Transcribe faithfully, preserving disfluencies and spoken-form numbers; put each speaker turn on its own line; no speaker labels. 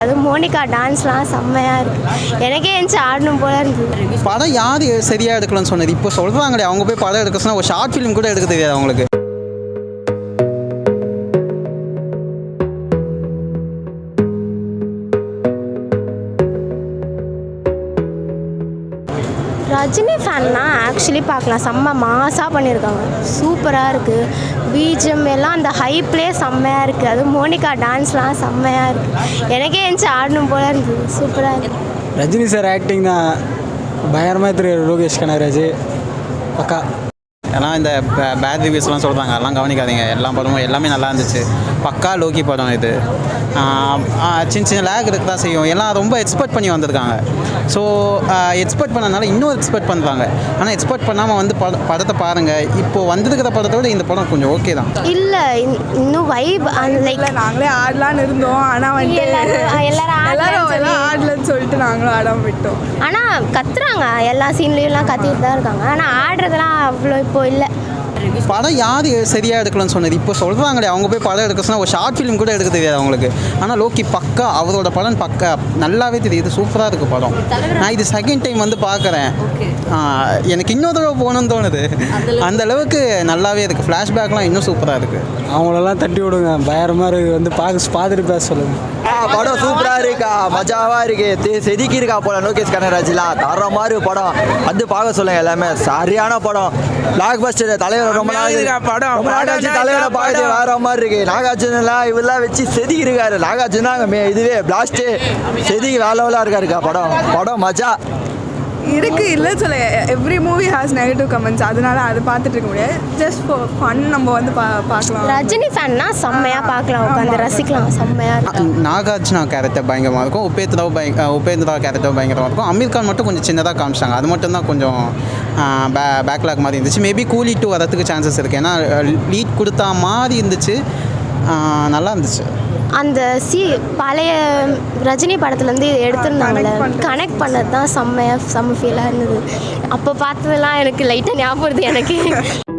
அது மோனிகா டான்ஸ்லாம் செம்மையாக இருக்குது. எனக்கே எந்திச்சு ஆடணும் போல இருக்குது.
படம் யார் சரியாக எடுக்கலன்னு சொன்னது இப்போ சொல்கிறாங்களே, அவங்க போய் படம் எடுக்க சொன்னால் ஒரு ஷார்ட் ஃபிலிம் கூட எடுக்க தெரியாது அவங்களுக்கு.
ரஜினி ஃபேன்னா ஆக்சுவலி பார்க்கலாம், செம்ம மாசாக பண்ணியிருக்காங்க, சூப்பராக இருக்குது. பிஜிஎம் எல்லாம் அந்த ஹைப்லேயே செம்மையாக இருக்குது. அது மோனிகா டான்ஸ்லாம் செம்மையாக இருக்குது. எனக்கே எந்திச்சு ஆடணும் போல இருக்குது, சூப்பராக இருக்குது.
ரஜினி சார் ஆக்டிங் தான் பயங்கரமாக தெரியும். லோகேஷ் கனகராஜ் பக்கா.
ஏன்னா இந்த பேட் ரிவ்யூஸ்லாம் சொல்கிறாங்க, அதெல்லாம் கவனிக்காதீங்க. எல்லா படமும் எல்லாமே நல்லா இருந்துச்சு. பக்கா லோக்கி படம் இது. சின்ன சின்ன லேக் இருக்க தான் செய்யும். எல்லாம் ரொம்ப எக்ஸ்பெக்ட் பண்ணி வந்திருக்காங்க. ஸோ எக்ஸ்பெக்ட் பண்ணனால இன்னும் எக்ஸ்பெக்ட் பண்ணுறாங்க. ஆனால் எக்ஸ்பெக்ட் பண்ணாமல் வந்து பட படத்தை பாருங்கள். இப்போது வந்திருக்கிற படத்தோட இந்த படம் கொஞ்சம் ஓகே தான்.
இல்லை இன்னும் வைப் லைக்
நாங்களே ஆடலான்னு இருந்தோம். ஆனால் வந்து
எல்லாரும்
எல்லாரும் ஆடலன்னு சொல்லிட்டு நாங்களும் ஆடாம விட்டோம்.
ஆனால் கத்துறாங்க, எல்லா சீன்லேயும்லாம் கத்திட்டு தான் இருக்காங்க. ஆனால் ஆடுறதுலாம் அவ்வளோ இப்போ இல்லை.
படம் யார் சரியாக எடுக்கலன்னு சொன்னது இப்போ சொல்கிறாங்களே, அவங்க போய் படம் எடுக்க சொன்னால் ஒரு ஷார்ட் ஃபிலிம் கூட எடுக்க தெரியாது அவங்களுக்கு. ஆனால் லோக்கி பக்கா, அவரோட படம் பக்கா நல்லாவே தெரியுது, சூப்பராக இருக்குது படம். நான் இது செகண்ட் டைம் வந்து பார்க்குறேன். எனக்கு இன்னொரு தடவை போகணுன்னு தோணுது. அந்த அளவுக்கு நல்லாவே இருக்குது. ஃப்ளாஷ்பேக்லாம் இன்னும் சூப்பராக இருக்குது.
அவங்களெல்லாம் தட்டி விடுங்க, பயங்கரமாக இருக்குது. வந்து பார்க்க பார்த்துட்டு பேச சொல்லுங்கள்.
படம் சூப்பராக இருக்கா, மஜாவாக இருக்கு, செதுக்கி இருக்கா போல லோகேஷ் கனகராஜ்லாம் தர மாதிரி படம் வந்து பார்க்க சொல்லுங்க. எல்லாமே சரியான படம், பிளாக் பஸ்டர். தலைவர் ரொம்ப நாள் படம் தலைவரை பார்த்து வேற மாதிரி இருக்கு. நாகார்ஜுன எல்லாம் இவெல்லாம் வச்சு செதுக்கி இருக்காரு. நாகார்ஜுனா இதுவே பிளாஸ்ட் செதுக்கி வேலைவெல்லாம் இருக்காருக்கா. படம் படம் மஜா
இருக்கு. இல்லை சொல்ல every movie has negative comments, அதனால அதை பார்த்துட்டு இருக்க முடியாது. ஜஸ்ட் ஃபார் ஃபன் நம்ம வந்து பா பார்க்கலாம்.
ரஜினி ஃபேன்னா செம்மையாக பார்க்கலாம், உட்காந்து ரசிக்கலாம், செம்மையாக இருக்கும்.
நாகார்ஜுனா கேரக்டர் பயங்கரமாக இருக்கும். உபேந்திரா பய உபேந்திரா கேரக்டர் பயங்கரமாக இருக்கும். அமீர் கான் மட்டும் கொஞ்சம் சின்னதாக காமிச்சிட்டாங்க. அது மட்டும் தான் கொஞ்சம் பே பேக்லாக் மாதிரி இருந்துச்சு. மேபி கூலி டூ வரதுக்கு சான்சஸ் இருக்குது. ஏன்னா லீட் கொடுத்தா மாதிரி இருந்துச்சு, நல்லா இருந்துச்சு.
அந்த சி பழைய ரஜினி படத்துலேருந்து எடுத்துருந்தாங்கல்ல, கனெக்ட் பண்ணது தான் செம்மையாக செம்ம ஃபீலாக இருந்தது. அப்போ பார்த்ததெல்லாம் எனக்கு லைட்டாக ஞாபகம் வருது எனக்கு.